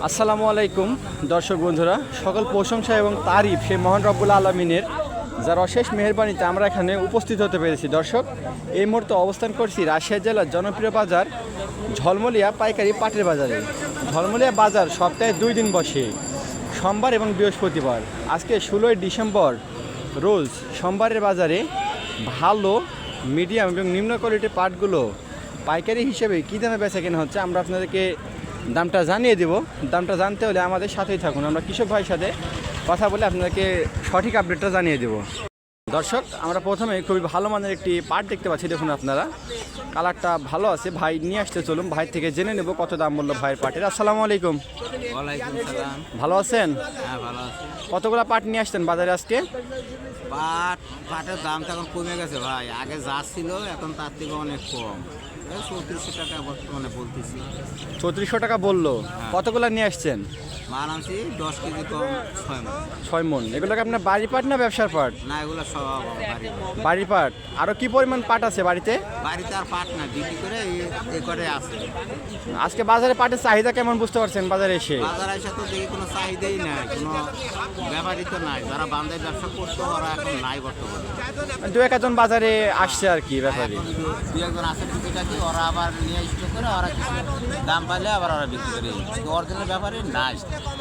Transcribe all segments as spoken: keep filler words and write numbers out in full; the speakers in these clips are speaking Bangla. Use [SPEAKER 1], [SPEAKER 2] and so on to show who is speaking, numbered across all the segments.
[SPEAKER 1] আসসালামু আলাইকুম দর্শক বন্ধুরা, সকল প্রশংসা এবং তারিফ সেই মহান রব্বুল আলমিনের, যার অশেষ মেহেরবানিতে আমরা এখানে উপস্থিত হতে পেরেছি। দর্শক, এই মুহূর্তে অবস্থান করছি রাজশাহী জেলার জনপ্রিয় বাজার ঝলমলিয়া পাইকারি পাটের বাজারে। ঝলমলিয়া বাজার সপ্তাহে দুই দিন বসে, সোমবার এবং বৃহস্পতিবার। আজকে ষোলোই ডিসেম্বর রোজ সোমবারের বাজারে ভালো, মিডিয়াম এবং নিম্ন কোয়ালিটির পাটগুলো পাইকারি হিসেবে কী দামে বেচা কেনা হচ্ছে আমরা আপনাদেরকে দামটা জানিয়ে দেব। দামটা জানতে হলে আমাদের সাথেই থাকুন, আমরা কৃষক ভাইয়ের সাথে কথা বলে আপনাদেরকে সঠিক আপডেটটা জানিয়ে দেব। দর্শক, আমরা প্রথমে খুবই ভালো মানের একটি পাট দেখতে পাচ্ছি, দেখুন আপনারা, কালারটা ভালো আছে। ভাই নিয়ে আসতে চলুন, ভাই থেকে জেনে নেব কত দাম বললো ভাইয়ের পাটের। আসসালামু আলাইকুম।
[SPEAKER 2] ওয়ালাইকুম সালাম।
[SPEAKER 1] ভালো আছেন?
[SPEAKER 2] হ্যাঁ, ভালো আছি।
[SPEAKER 1] কতগুলো পাট নিয়ে আসছেন বাজারে আজকে?
[SPEAKER 2] পাট পাটের দাম তো এখন কমে গেছে ভাই, আগে যা ছিল এখন তার থেকে অনেক কম। চৌত্রিশশো টাকা বর্তমানে বলতেছি।
[SPEAKER 1] চৌত্রিশশো টাকা বললো। কতগুলো নিয়ে আসছেন?
[SPEAKER 2] মাল আনছি দশ কেজি কম, ছয় মন।
[SPEAKER 1] ছয় মন। এগুলোকে আপনার বাড়ি পাট না ব্যবসার পাট?
[SPEAKER 2] না, এগুলো সব বাড়ি।
[SPEAKER 1] বাড়ি পাট। আরও কি পরিমাণ পাট আছে বাড়িতে?
[SPEAKER 2] বাড়িতে আর পাট না, বিক্রি করে এ করে আছে।
[SPEAKER 1] আজকে বাজারে পাটের চাহিদা কেমন বুঝতে পারছেন বাজারে এসে?
[SPEAKER 2] বাজারে এসে তো দেখি কোনো চাহিদাই নাই, কোনো ব্যাপারই তো নাই। যারা বান্ধায় ব্যবসা করতো ওরা এখন নাই বর্তমানে।
[SPEAKER 1] দু এক একজন বাজারে আসছে আর কি ব্যাপারে।
[SPEAKER 2] এখন দু দু একজন আছে টুকিটাকি, ওরা আবার নিয়ে স্টোর করে ওরা কিছু দাম পাইলে আবার ওরা বিক্রি করে। অরিজিনাল ব্যাপারে নাই।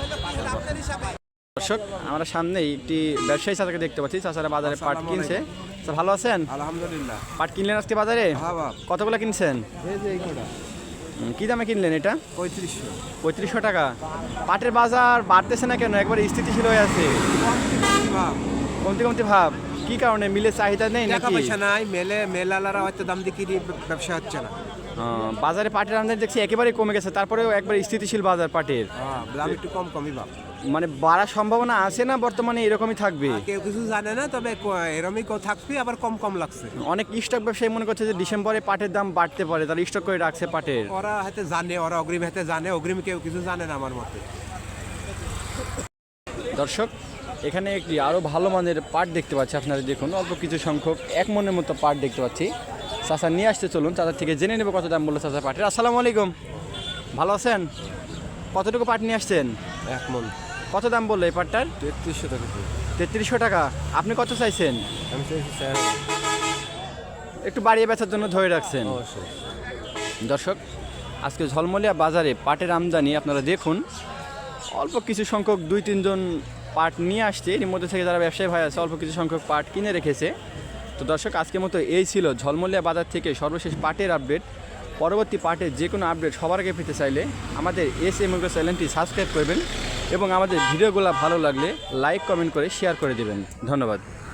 [SPEAKER 1] দর্শক, আমরা সামনেই একটি ব্যবসায়ী চাচাকে দেখতে পাচ্ছি। চাচারা বাজারে পাট কিনছে। স্যার, ভালো আছেন?
[SPEAKER 3] আলহামদুলিল্লাহ।
[SPEAKER 1] পাট কিনলেন আজকে বাজারে?
[SPEAKER 3] হ্যাঁ বাপ।
[SPEAKER 1] কতগুলো কিনছেন?
[SPEAKER 3] এই যে এই কটা
[SPEAKER 1] হুম, কি দামে কিনলেন এটা?
[SPEAKER 3] পঁয়ত্রিশশো।
[SPEAKER 1] পঁয়ত্রিশশো টাকা। পাটের বাজার বাড়তেছে না কেন? একবার স্থিতিশীল হয়ে আছে,
[SPEAKER 3] বাপ,
[SPEAKER 1] কমতি কমতি ভাব। কি কারণে? মিলে চাহিদা নেই
[SPEAKER 3] টাকা
[SPEAKER 1] নাকি?
[SPEAKER 3] পয়সা নাই, মেলে মেলালারা হয়তো দাম দিয়ে কিনে ব্যবসা হচ্ছে না।
[SPEAKER 1] আহ, বাজারে পাটের আমদানি দেখছি একেবারে কমে গেছে, তারপরেও একবার স্থিতিশীল বাজার পাটের।
[SPEAKER 3] হ্যাঁ, দাম একটু কম কমই বাপ।
[SPEAKER 1] মানে বাড়ার সম্ভাবনা আছে না বর্তমানে এরকমই থাকবে?
[SPEAKER 3] আর কেউ কিছু জানে না, তবে ক- এরমই কেউ থাকবে, আবার কম কম লাগছে।
[SPEAKER 1] অনেক স্টক ব্যবসায়ী মনে করছে যে ডিসেম্বরে পাটের দাম বাড়তে পারে, তাহলে স্টক করে রাখছে পাটের।
[SPEAKER 3] ওরা হাতে জানে, ওরা অগ্রিম হাতে জানে, অগ্রিম কেউ কিছু জানে না আমার মতে।
[SPEAKER 1] দর্শক, এখানে একটি আরও ভালো মানের পাট দেখতে পাচ্ছি, আপনারা দেখুন, অল্প কিছু সংখ্যক এক মনের মতো পাট দেখতে পাচ্ছি। চাচা নিয়ে আসতে চলুন, চাচার থেকে জেনে নেব কত দাম বললো চাচা পাটের। আসসালামু আলাইকুম, ভালো আছেন? কতটুকু পাট নিয়ে আসছেন?
[SPEAKER 3] এক মন।
[SPEAKER 1] কত দাম বললো এই পাটটার?
[SPEAKER 3] তেত্রিশশো টাকা।
[SPEAKER 1] তেত্রিশশো টাকা। আপনি কত চাইছেন?
[SPEAKER 3] আমি চাইছি স্যার
[SPEAKER 1] একটু বাড়িয়ে বেচার জন্য ধরে রাখছেন।
[SPEAKER 3] অবশ্যই।
[SPEAKER 1] দর্শক, আজকে ঝলমলিয়া বাজারে পাটের আমদানি আপনারা দেখুন, অল্প কিছু সংখ্যক দুই তিনজন পাট নিয়ে আসছে। এর মধ্যে থেকে যারা ব্যবসায়ী ভাই আছে অল্প কিছু সংখ্যক পাট কিনে রেখেছে। তো দর্শক, আজকের মতো এই ছিল ঝলমলিয়া বাজার থেকে সর্বশেষ পাটের আপডেট। পরবর্তী পাটের যে কোনো আপডেট সবার আগে পেতে চাইলে আমাদের এস এম এগ্রো চ্যানেলটি সাবস্ক্রাইব করবেন এবং আমাদের ভিডিওগুলো ভালো লাগলে লাইক কমেন্ট করে শেয়ার করে দেবেন। ধন্যবাদ।